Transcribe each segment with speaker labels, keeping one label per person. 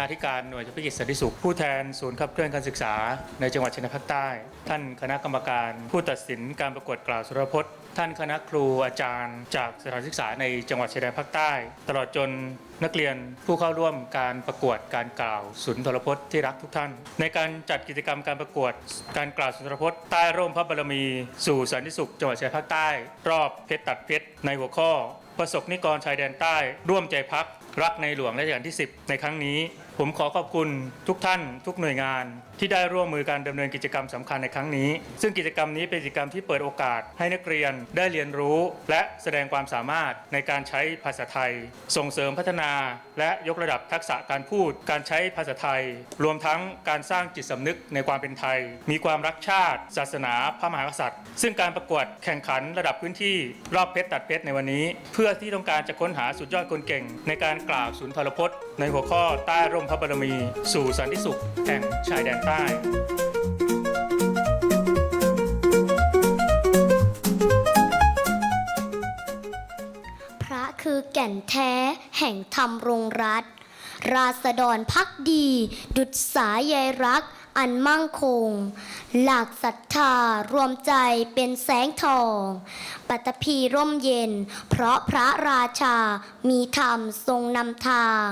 Speaker 1: นาธิการหน่วยเฉพาะกิจสันติสุขผู้แทนศูนย์ขับเคลื่อนการศึกษาในจังหวัดชายแดนภาคใต้ท่านคณะกรรมการผู้ตัดสินการประกวดกล่าวสุรพจน์ท่านคณะครูอาจารย์จากสถานศึกษาในจังหวัดชายแดนภาคใต้ตลอดจนนักเรียนผู้เข้าร่วมการประกวดการกล่าวสุนทรพจน์ที่รักทุกท่านในการจัดกิจกรรมการประกวดการกล่าวสุนทรพจน์ใต้ร่มพระบารมีสู่สันติสุขจังหวัดชายแดนภาคใต้รอบเพชรตัดเพชรในหัวข้อประสบนิกรชายแดนใต้ร่วมใจพักรักในหลวงรัชกาลที่10ในครั้งนี้ผมขอขอบคุณทุกท่านทุกหน่วยงานที่ได้ร่วมมือการดำเนินกิจกรรมสำคัญในครั้งนี้ซึ่งกิจกรรมนี้เป็นกิจกรรมที่เปิดโอกาสให้นักเรียนได้เรียนรู้และแสดงความสามารถในการใช้ภาษาไทยส่งเสริมพัฒนาและยกระดับทักษะการพูดการใช้ภาษาไทยรวมทั้งการสร้างจิตสำนึกในความเป็นไทยมีความรักชาติศาสนาพระมหากษัตริย์ซึ่งการประกวดแข่งขันระดับพื้นที่รอบเพชรตัดเพชรในวันนี้เพื่อที่ต้องการจะค้นหาสุดยอดคนเก่งในการกล่าวสุนทรพจน์ในหัวข้อใต้ร่มพระบารมีสู่สันติสุขแห่งชายแดนใต้
Speaker 2: พระคือแก่นแท้แห่งธรรมรงรัตน์ราษฎรภักดีดุจสายใยรักอันมั่งคงหลักศรัทธารวมใจเป็นแสงทองปัตตภีร่มเย็นเพราะพระราชามีธรรมทรงนำทาง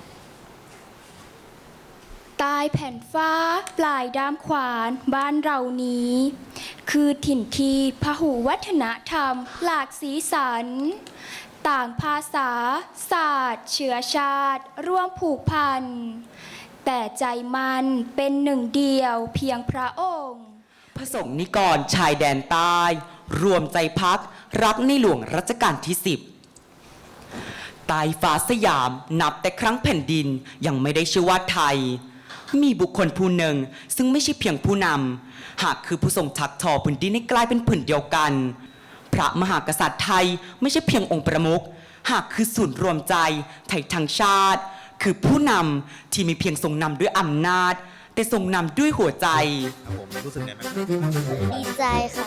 Speaker 3: ใต้แผ่นฟ้าปลายด้ามขวานบ้านเรานี้คือถิ่นที่พหุวัฒนธรรมหลากสีสันต่างภาษาศาสตร์เชื้อชาติร่วมผูกพันแต่ใจมันเป็นหนึ่งเดียวเพียงพระองค์
Speaker 4: พระสงฆ์นิกรชายแดนใต้รวมใจพักรักในหลวงรัชกาลที่10ใต้ฟ้าสยามนับแต่ครั้งแผ่นดินยังไม่ได้ชื่อว่าไทยมีบุคคลผู้หนึ่งซึ่งไม่ใช่เพียงผู้นำหากคือผู้ทรงชักทอพื้นดินให้กลายเป็นผืนเดียวกันพระมหากษัตริย์ไทยไม่ใช่เพียงองค์ประมุขหากคือศูนย์รวมใจไทยทั้งชาติคือผู้นำที่มีเพียงทรงนำด้วยอำนาจแต่ทรงนำด้วยหัวใจ
Speaker 5: ผมรู้สึกไงไหม
Speaker 2: ดีใจค่ะ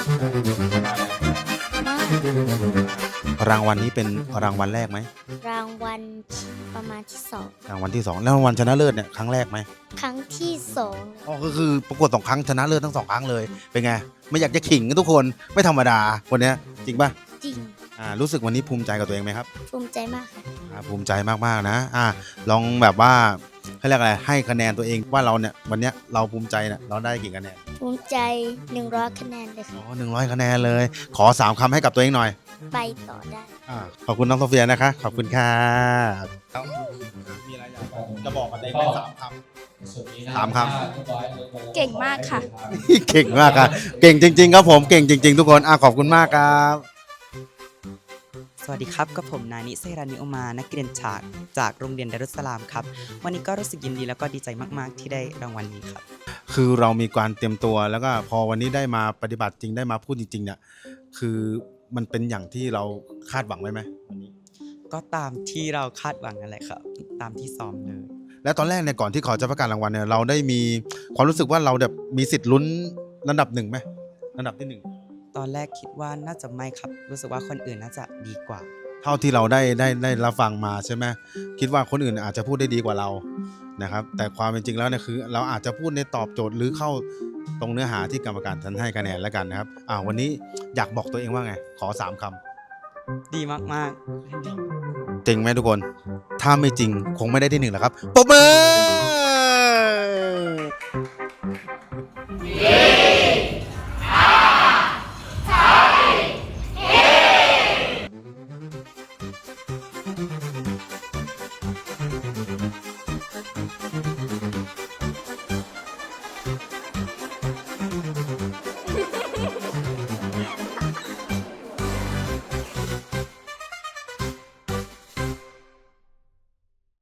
Speaker 5: รางวัลนี้เป็นรางวัลแรกไหม
Speaker 2: รางวัลประมาณที่2
Speaker 5: รางวัลที่2แล้วรางวัลชนะเลิศเนี่ยครั้งแรกไหม
Speaker 2: ครั้งที่2
Speaker 5: อ๋อก็คือประกวด2 ครั้งชนะเลิศทั้ง2 ครั้งเลยเป็นไงไม่อยากจะขิงทุกคนไม่ธรรมดาคนนี้จริงป่ะ
Speaker 2: จริง
Speaker 5: รู้สึกวันนี้ภูมิใจกับตัวเองไหมครับ
Speaker 2: ภูมิใจมากค่ะ
Speaker 5: ภูมิใจมากๆนะลองแบบว่าให้เรียกอะไรให้คะแนนตัวเองว่าเราเนี่ยวันนี้เราภูมิใจเนี่ยเราได้กี่คะแนน
Speaker 2: ภูมิใจ100 คะแนนเลยค่ะ
Speaker 5: 100 คะแนนเลยขอ3 คำให้กับตัวเองหน่อย
Speaker 2: ไปต่อได้
Speaker 5: ขอบคุณน้องโซเฟียนะคะขอบคุณค่ะมีอะไรอยากจะบอกกับตัวเองได้3 คำ
Speaker 3: เก่งมากค่ะ
Speaker 5: เก่งมากครับเก่งจริงๆครับผมเก่งจริงๆทุกคนขอบคุณมากครับ
Speaker 4: สวัสดีครับกับผมนานิเซรานิโอมานักเรียนจากโรงเรียนดารุสสลามครับวันนี้ก็รู้สึกยินดีแล้วก็ดีใจมากๆที่ได้รางวัลนี้ครับ
Speaker 5: คือเรามีการเตรียมตัวแล้วก็พอวันนี้ได้มาปฏิบัติจริงได้มาพูดจริงๆเนี่ยคือมันเป็นอย่างที่เราคาดหวังไว้ไหมวันนี้
Speaker 4: ก็ตามที่เราคาดหวังนั่นแหละครับตามที่ซ้อมเลย
Speaker 5: แล้วตอนแรกเนี่ยก่อนที่เขาจะประกาศรางวัลเนี่ยเราได้มีความรู้สึกว่าเราแบบมีสิทธิ์ลุ้นระดับ1ไหมระดับที่1
Speaker 4: ตอนแรกคิดว่าน่าจะไม่ครับรู้สึกว่าคนอื่นน่าจะดีกว่า
Speaker 5: เท่าที่เราได้รับฟังมาใช่ไหมคิดว่าคนอื่นอาจจะพูดได้ดีกว่าเรานะครับแต่ความเป็นจริงแล้วเนี่ยคือเราอาจจะพูดในตอบโจทย์หรือเข้าตรงเนื้อหาที่กรรมการท่านให้คะแนนแล้วกันนะครับวันนี้อยากบอกตัวเองว่าไงขอ3 ค
Speaker 4: ำดีมาก
Speaker 5: ๆจริงไหมทุกคนถ้าไม่จริงคงไม่ได้ที่1หรอกครับปรบมือ